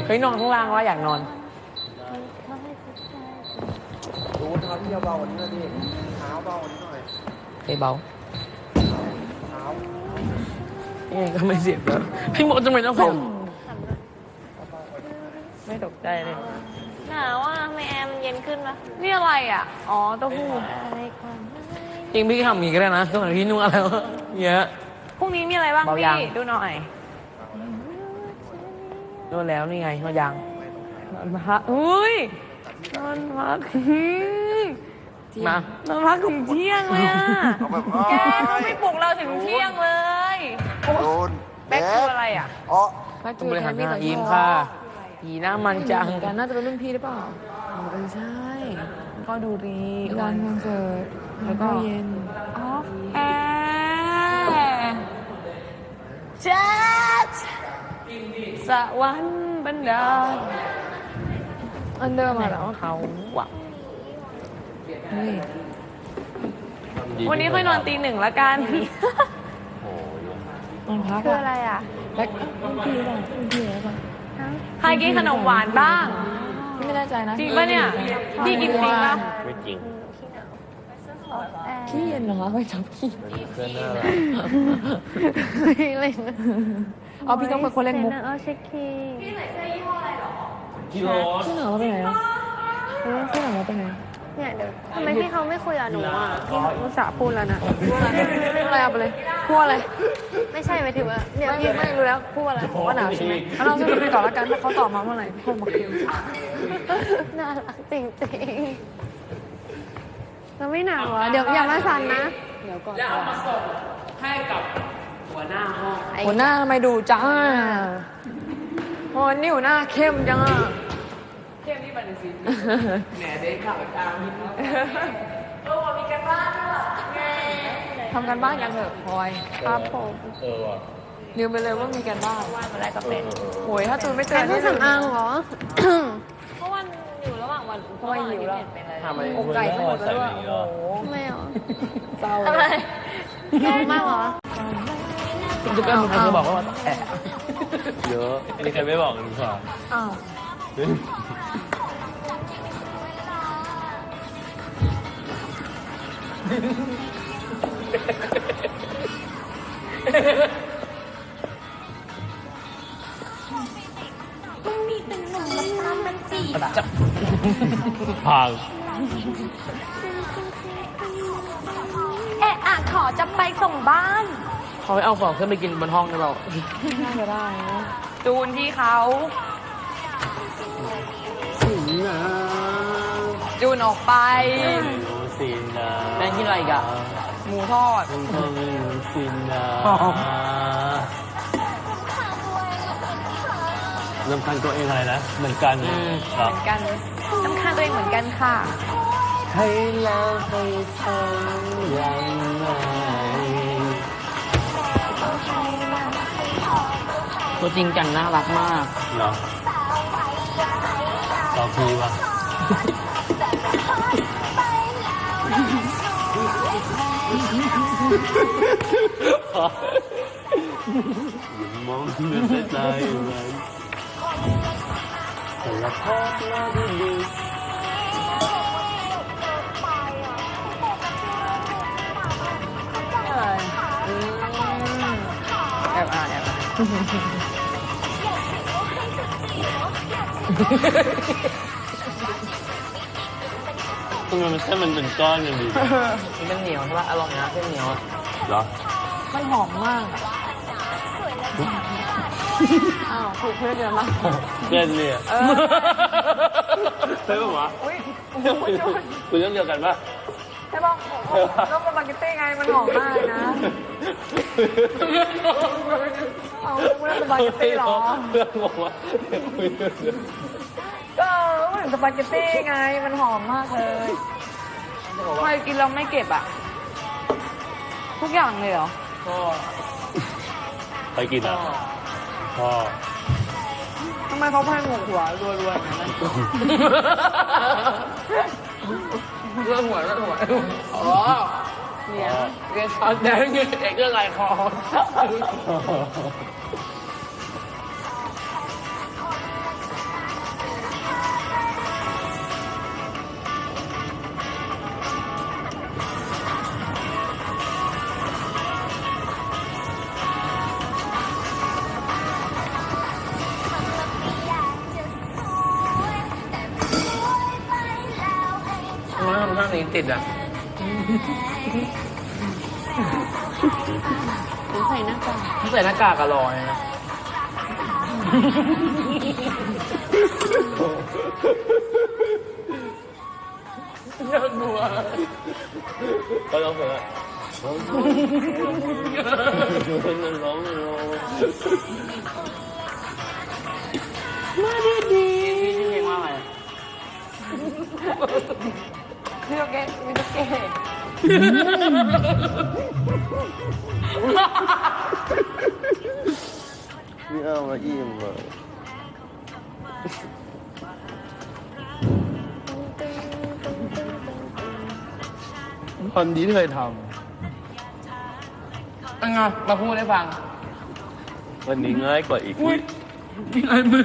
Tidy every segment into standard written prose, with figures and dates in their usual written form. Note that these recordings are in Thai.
ฮ้ยนอนข้างล่างว่าอยากนอนดูเท้าที่เบากว่านี้หน่อยดิเท้าเบากว่านี้หน่อยเบาเท้ายังไงก็ไม่เสียบแล้วพี่มดจะไม่ต้องผมไม่ตกใจเลยหนาวอ่ะทำไมแอร์มันเย็นขึ้นวะนี่อะไรอ่ะอ๋อเต้าหู้จริงพี่ทำอย่างนี้ก็ได้นะก็เหมือนพี่นุ่งอะไรวะเยอะพรุ่งนี้มีอะไรบ้างพี่ดูหน่อยนอนแล้วนี่ไงนอนยังนอนพักอุ้ยนอนพักมานอนพักถึงเที่ยงเลยอ่ะแกเขาไม่ปลุกเราถึงเที่ยงเลยโดนแบ็คคืออะไรอ่ะอ๋อต้องบริหารหน้ายิ้มค่ะยีหน้ามันจังกันน่าจะเป็นรุ่นพี่หรือเปล่าไม่ใช่ก็ดูดีวันคอนเสิร์ตแล้วก็เย็นออฟแอร์แจ๊สสวรรค์บันดาลอันเดอร์มาแล้วเขาหวังวันนี้ค่อยนอนตี 1ละกันนอนพักคืออะไรอ่ะแบ็ครุ่นพี่หรือเปล่ารุ่นพี่หรือเปล่าใครกินขนมหวานบ้างไม่แน่ใจนะจริงป่ะเนี่ยพี่กินจริงป่ะไม่จริงขี้เย็นเหรอไม่จับขี้เพื่อนน่ารักเล่นเอาพี่ต้องเป็นคนเล่นมุกเอาเช็คคีพี่ใส่เสื้อยี่ห้ออะไรหรอกิโลที่เหนือเราไปไหนอ่ะที่เหนือเราไปไหนเนี่ยเดี๋ยวทำไมพี่เขาไม่คุยกับหนูอ่ะพี่อุตส่าห์พูดแล้วนะพูดอะไรเอาไปเลยพูดอะไรไม่ใช่หมายถึงว่าเนี่ยพี่ไม่รู้แล้วพูดอะไรว่าหนาวใช่ไหมเราจะไปก่อนแล้วกันเพราะเขาตอบมาเมื่อไหร่พูดมาคิวน่ารักจริงๆเราไม่หนาวอ่ะเดี๋ยวอย่ามาสั่นนะเดี๋ยวก่อนแล้วเอามาส่งให้กับหัวหน้าห้องหัวหน้าทำไมดูจ้าโอ้นี่หัวหน้าเข้มจังอ่ะเข้มนี่บันสิแหนเด็กข่าวตามนิดนึงวันมีกันบ้านด้วยทำกันบ้านยังเหรอพลอยครับผมว่ะลืมไปเลยว่ามีกันบ้านวันอะไรก็เป็นโหยถ้าตูนไม่เจอนี่สำอางเหรอเพราะวันอยู่ระหว่างวันเพราะว่าหิวแล้วทำอะไรอกไก่ทั้งหมดแล้วอ่ะโอ้โหไม่หรอเศร้าอะไรแย่มากเหรอคุณจะเป็นคนจะบอกว่าแอบเยอะอันนี้ใครไม่บอกกันดีกว่าอ้าวต้องมีเป็นหนุ่มตามมันจีบอะพังขอจะไปส่งบ้านเขาไปเอาของขึ้นไปกินบนห้องได้เปล่าน่าจะได้นะจูนที่เขาจูนออกไปแม่งที่ไรกันหมูทอดรำคาญตัวเองอะไรนะเหมือนกันเหมือนกันรำคาญตัวเองเหมือนกันค่ะให้แล้วให้ทำยังไงตัวจริงจังน่ารักมากเหรอต่อทีวะมองไม่ได้เลยแต่ละภาพน่าดีแอบอ่านทำไมมันแค่มันเป็นก้อนอย่างดีมันเหนียวใช่ปะอร่อยนะเส้นเหนียวเหรอมันหอมมากอ้าวถูกเพื่อนเดียวมั้งเส้นเนี่ยใช่ปะวะคุณเรื่องเดียวกันปะใช่ป่ะต้องสปาเกตตี้ไงมันหอมมากนะเอาไม่ได้สปาเกตตี้หรอเรื่องงงวะก็เหมือนสปาเกตตี้ไงมันหอมมากเลยใครกินเราไม่เก็บอ่ะทุกอย่างเลยเหรอก็ใครกินอ่ะพ่อทำไมเขาแพงหัวรัวๆอย่างนั้นเรื่องหัวอ๋อเนี่ยเรียนตอนแดงยืนเอกเรื่องอะไรคอนี้ติดอ่ะใส่หน้ากากถ้าใส่หน้ากากก็รอเลยนะน่ากลัวก็ร้องเพลงอะร้องร้องมาดีดีชื่อเพลงว่าอะไรมิโตเกะมิโตเกะนี่เอามาอิ่มเลยตอนนี้เคยทเป็นไงมาพูดให้ฟังำวันนี้ง่ายกว่าอีกอุ้ยมีลายมือ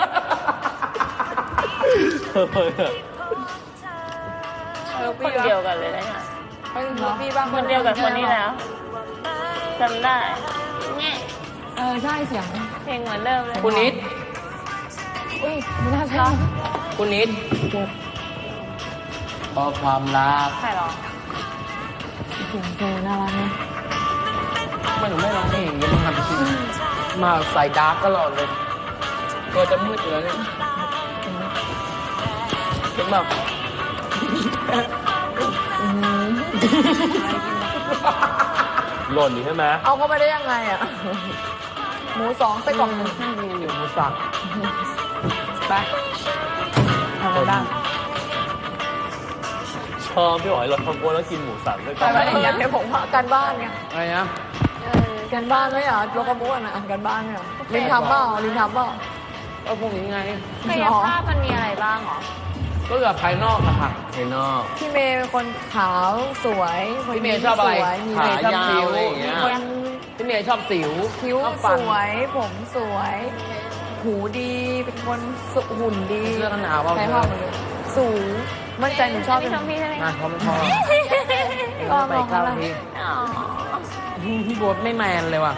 คนเดียวกันเลยนะเนี่ยพี่บ้างคนเดียวกับคนนี้แล้วจำได้แง่ใช่เสียงเพลงเหมือนเดิมเลยคุณนิดอุ้ยไม่น่าใช่คุณนิดพอความรักใครหรอเสียงเธอน่ารักไหมไม่หนูไม่ร้องเพลงอย่างนี้มันทำจริงมาใส่ดาร์กตลอดเลยตัวจะมืดอยู่แล้วเนี่ยเป็นแบบหล่นอยู่ใช่ไหมเอาเข้าไปได้ยังไงอ่ะ หมูสองไส้กรอกหนึ่งอยู่หมูสับไปทำอะไรบ้างชอบพี่หอยเราทำโกนแล้วกินหมูสับด้วยไปไปอย่างเดียวผมว่าการบ้านไงอะไรนะการบ้านไหมอ่ะโลกามุอ่ะการบ้านเนี่ยลินทำเปล่าลินทำเปล่าก็พวกนี้ไงกายภาพมันมีอะไรบ้างหรอก็แบบภายนอกอะค่ะภายนอกพี่เมย์เป็นคนขาวสวยคนพี่เมย์ชอบอะไรสวยมีขายาวสิวอะไรอย่างเงี้ยมีคนพี่เมย์ชอบสิวคิ้วชอบสฟันวย ผมสวย หูดีเป็นคนสุหุ่นดีเสื้อกันหนาวเปล่าใช้ห้องเลยสูงมั่นใจหนูชอบพี่ชมพี่ใช่ไหมนะเขาไม่ชอบก็ไปมองเก้าอะไรทีอ๋อพี่โบ๊ทไม่แมนเลยว่ะ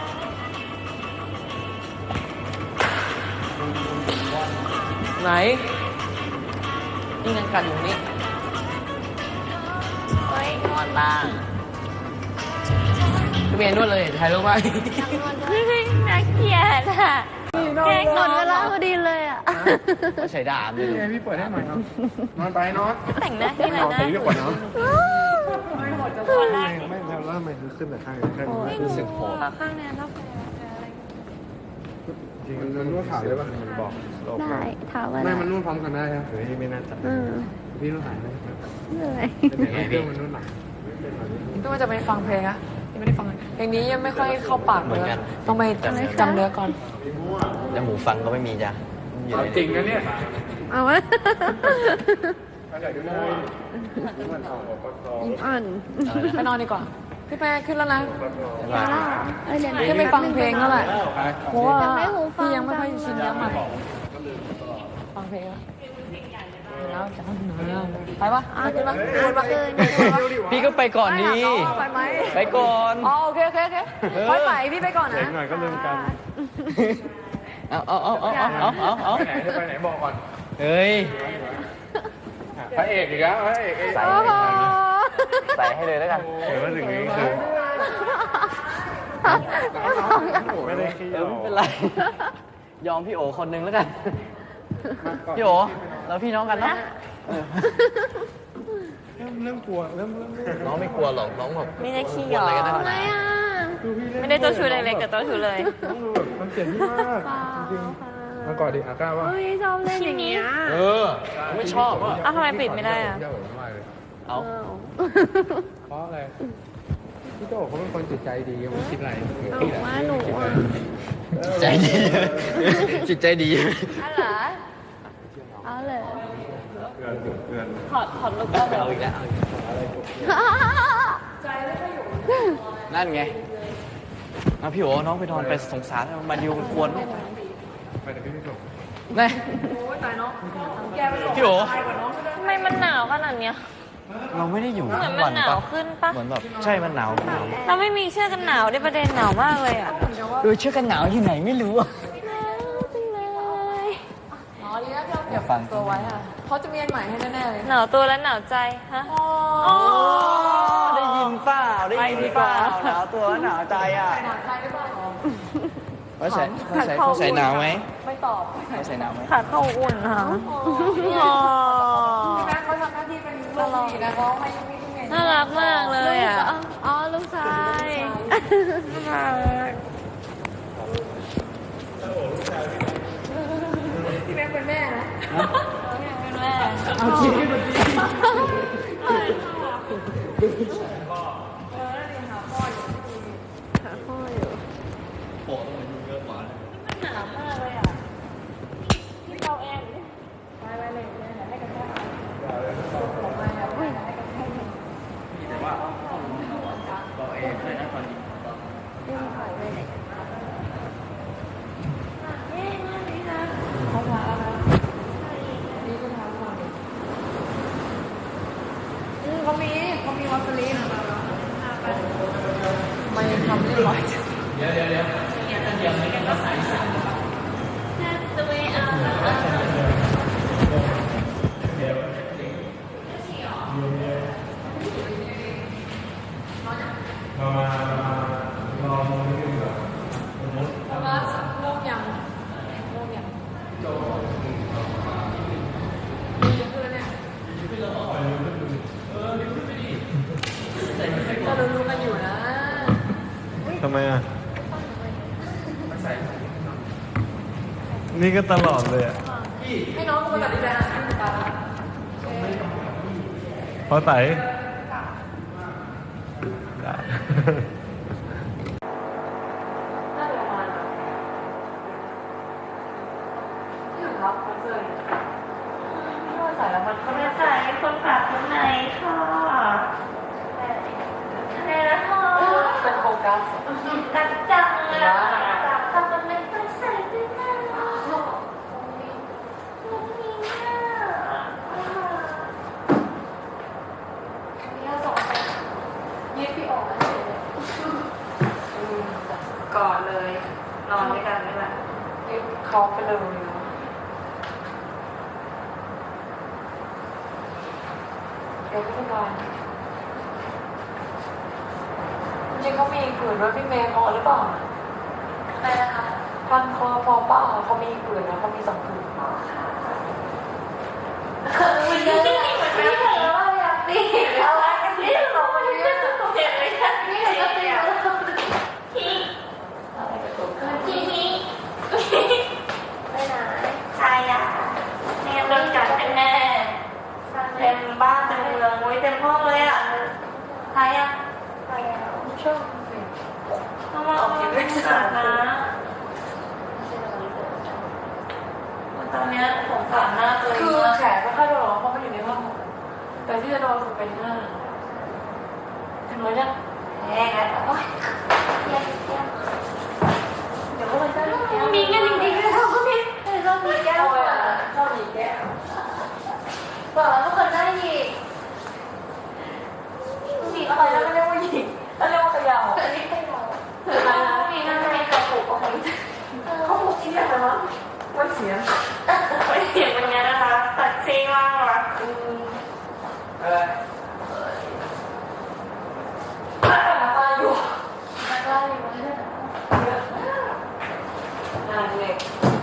ไหนนี่ยังกัดอยู่นี่เฮ้ยนอนบ้างพี่เมย์นวดเลยถ่ายรูปไว้เฮ้ยน่าเกลียดอ่ะแกล้งนอนเวลาพอดีเลยอ่ะก็ใช้ดาบเลยพี่เปิดให้หน่อยครับ นอนไปนอนแต่งหน้าที่ไหนนะตีดีกว่าเนาะคนแรกไม่แล้วทำไมขึ้นแต่ข้างข้างรู้สึกโหดข้างเนี้ยแล้วจริงมันนวดขาเลยป่ะมันบอกได้ถามว่าไม่มันนวดพร้อมกันได้ครับเฮ้ยไม่น่าจับพี่นวดขาได้เหนื่อยแต่เครื่องมันนวดหลังก็ว่าจะไปฟังเพลงอะยังไม่ได้ฟังเลยเพลงนี้ยังไม่ค่อยเข้าปากเลยต้องไปจำเนื้อก่อนแล้วหมูฟังก็ไม่มีจ้ะอยู่ในจริงนะเนี่ยเอาวะอะไรดูได้อ่อนไปนอนดีกว่าพี่แม่ขึ้นแล้วนะเดี๋ยวขึ้นไปฟังเพลงแล้วแหละเพราะว่าไม่หูฟังพี่ยังไม่ค่อยชินเนื้อใหม่ฟังเพลงแล้วจะต้องนอนไปปะไปขึ้นปะขึ้นปะพี่ก็ไปก่อนดีไปไหมไปก่อนอ๋อโอเคโอเคโอเคค่อยไปพี่ไปก่อนนะหน่อยก็ลืมกันเอาไปไหนจะไปไหนบอกก่อนเฮ้ยพระเอกอีกแล้วพระเอกใส่ให้เลยแล้วกันเดี๋ยวมาถึงนี้คือไม่ได้ขี้ไม่เป็นไร ยอมพี่โอคนนึงแล้วกัน พี่โอเราพี่น้องกันเนาะเริ่มกลัวเริ่มน้องไม่กลัวหรอก น้องแบบไม่ได้ขี้หยออะไรกันได้ขทำไมนาดอ่ะไม่ได้เจ้าชู้เล็กๆแต่เจ้าชู้เลยต้องดูแบบมันเจ็บที่มากจริงๆมาก่อนดิอาก้าว่าเฮ้ยชอบเล่นอย่างนี้เออ ไม่ชอบอ่ะอ้าวทำไมปิดไม่ได้อ่ะเที่ยวมากเลยเอาเพราะอะไรพี่โตเขาเป็นคนจิตใจดีไม่คิดอะไรว่าหนูอ่ะใจดี จิตใจดีอะไรเอาเลยถอดลูกก็เลยเอาอีกแล้วนั่นไงเอาพี่โอน้องไปนอนไปสงสารมาดิวมันควรไปแต่พี่ไม่ส่งนี่พี่โอทำไมมันหนาวขนาดเนี้ยเราไม่ได้อยู่เหมือนทั้งมัวัน นหนาวปะขึ้นปะเหมือนแบบใช่มันหนาวเราไม่มีเสื้อกันหนาวได้ประเด็นหนาวมากเลยอ่ะดูเชื่อกันหนาวที่ไหนไม่รู้อะหนาวจังเลยอ๋อดีนะที่เราเก็บฟังตัวไว้อ่ะเขาจะมีอันใหม่ให้แน่ๆเลยหนาวตัวและหนาวใจฮะได้ยินเปล่าได้ยินเปล่าหนาวตัวหนาวใจอ่ะหนักใจหรือเปล่าเขาใส่หนาวไหมไม่ตอบเขาใส่หนาวไหมขาดเข้าอุ่นค่ะพี่แม่เขาทำหน้าที่เป็นลูกดีนะเขาไม่เห็นน่ารักมากเลยอ่ะ อ๋อ ลูกชายน่ารักพี่แม่เป็นแม่นะเป็นแม่เอาจริงหนาวมากเลยอ่ะที่เราแอนเขามีวาสลีนไม่ทำเรียบร้อย ว่าโลกยังโลกยังดีขึ้นแล้วเนี่ยก็รู้กันอยู่นะทำไมอ่ะ นี่ก็ตลอดเลยอ่ะให้น้องกูมาตัดสินใจอ่านที่ตาเพราะไต่น่าจะประมาณที่ถึงครับคอนเสิร์ตที่ว่าใส่แล้วมันก็ไม่ไม่ใส่คนขาดข้างในค่ะอะไรนะพ่อเป็นโฟกัสกัดจังเลยอะทำมันไม่ต้องใส่ด้วยนะตรงนี้เนี่ยนี่เราสองคนยืดพี่ออกแล้วเฉยเลยกอดเลย นอนด้วยกันนี่แหละยืดเขาไปเลยนะเดี๋ยวพี่บอลจริงเขามีผืนด้วยพี่เมย์พอหรือเปล่าอะไรนะคะพันคอพอเปล่าเขามีผืนนะเขามี2 ผืนมันจะไม่เหมือนกันเลยว่าอยากตีอะไรกันที่เราไม่ได้เจ็บเลยค่ะนี่ก็ตีที่ที่ไปไหนใครอ่ะเนี่ยโดนกัดเป็นแน่เต็มบ้านเต็มเมืองโอ้ยเต็มห้องเลยอ่ะใครอ่ะใครอ่ะชอบต้องมาออกเสียงกัดนะตอนนี้สงสารมากเลยคือแขนไม่ค่อยโดนหรอกเพราะมันอยู่ในห้องแต่ที่จะโดนคือเป็นหน้าถึงแล้วยังแย่ไงโอ้ยเดี๋ยวก็มันจะมีกันจริงๆเลยเขาพี่ต้องมีแก้วชอบหยิบแก้วบอกแล้วทุกคนได้หยิบหยิบอะอะไร ไรแล้วก็เรียกว่าหยิบแล้วเรียกว่าขยาวอันนี้เป็นเราอะไรนะมีนั่นทำไมกระปุกอะไรเขาบอกที่อะไรวะว่าเสียไม่เสียงเป็นไงนะคะตัดซีมากว่ะตาอยู่แล้วก็อยู่ที่นั่นงานเล็ก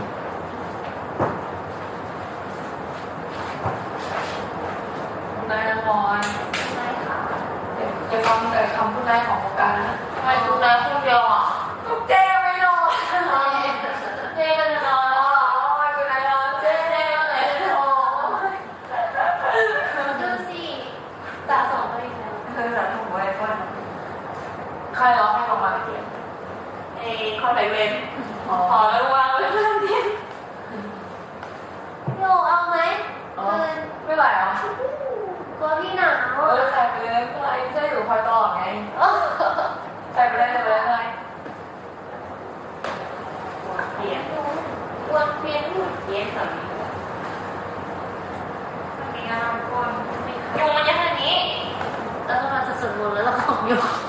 นายนอนจะฟังแต่คำพูดแรกของโครงการนะทำไมดูแลคนเดียวอ่ะลูกเจ๊ไม่นอนเจ๊ก็จะนอนแล้วอ่ะโอ้ยคุณนายนอนเจ๊เจ๊เลยโอ้ยดูสิตาสองไปแล้วเธอจะถูกไว้ก่อนใครร้องให้ออกมาเสียงข้อไหนเว้นอ๋อแล้ววางไว้เพื่อนที่โยเอาไหมไม่ไหวอ่ะตัวพี่หนาวใส่ไปเลยเพื่อไอ้เจ๊อยู่คอยตลอดไงใส่ไปเลยเลยเปียกวนเปียกอยู่เปียกแบบนี้มีงานคนยุงมันเยอะขนาดนี้แล้วเราจะสวดมนต์แล้วเราของยุง